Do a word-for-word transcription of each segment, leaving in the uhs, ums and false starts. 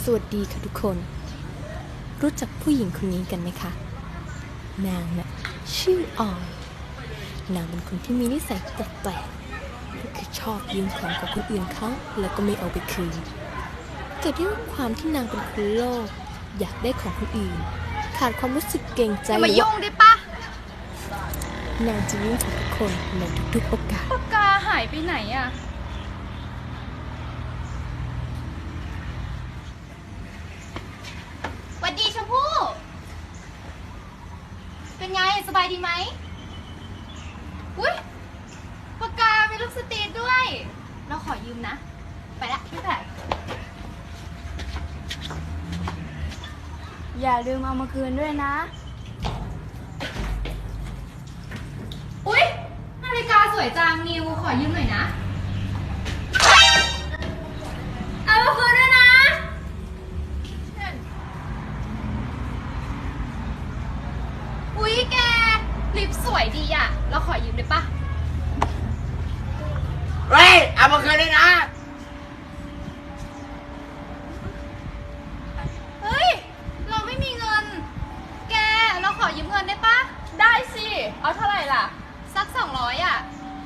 สวัสดีค่ะทุกคนรู้จักผู้หญิงคนนี้กันไหมคะนางน่ะชื่อออยนางเป็นคนที่มีนิสัยแปลกๆก็คือชอบยืมของของคนอื่นเขาแล้วก็ไม่เอาไปคืนเกิดด้วยความที่นางเป็นคนโลภอยากได้ของคนอื่นขาดความรู้สึกเกรงใจอย่ามายุ่งได้ปะนางจะยุ่งกับทุกคนในทุกๆโอกาสปากกาหายไปไหนอะหวัดดีชมพู่เป็นไงสบายดีไหมอุ้ยปากกามีลูกสตรีทด้วยเราขอยืมนะไปละพี่แผลอย่าลืมเอามาคืนด้วยนะอุ๊ยนาฬิกาสวยจังนิวขอยืมหน่อยนะเอามาคืนด้วยนะอุ๊ยแกลิปสวยดีอะเราขอยืมได้ปะเฮ้ยเอามาคืนด้วยนะเฮ้ยเราไม่มีเงินแกเราขอยืมเงินได้ปะได้สิเอาเท่าไหร่ล่ะสักสองร้อยอะ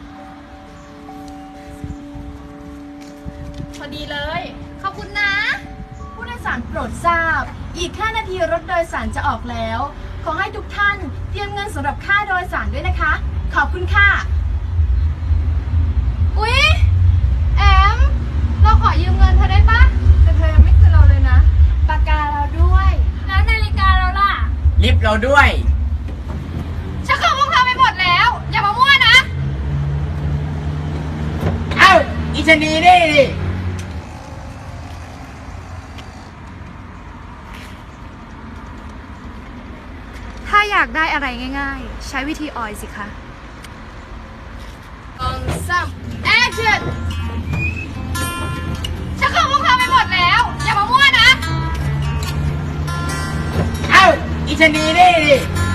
พอดีเลยขอบคุณนะผู้โดยสารโปรดทราบอีกห้านาทีรถโดยสารจะออกแล้วขอให้ทุกท่านเตรียมเงินสำหรับค่าโดยสารด้วยนะคะขอบคุณค่ะอุ๊ยแอมเราขอยืมเงินเธอได้ปะแต่เธอยังไม่คืนเราเลยนะปากกาเราด้วยแล้วนาฬิกาเราล่ะลิฟต์เราด้วยฉันขอพวกเธอไปหมดแล้วอย่ามามั่วนะเอ้าอีชนีนี่ดิถ้าอยากได้อะไรง่ายๆใช้วิธีออยสิคะสองสามแอคชั่นฉันขอพวกเธอไปหมดแล้วอย่ามามั่วนะเอ้าอีชนีนี่ดิ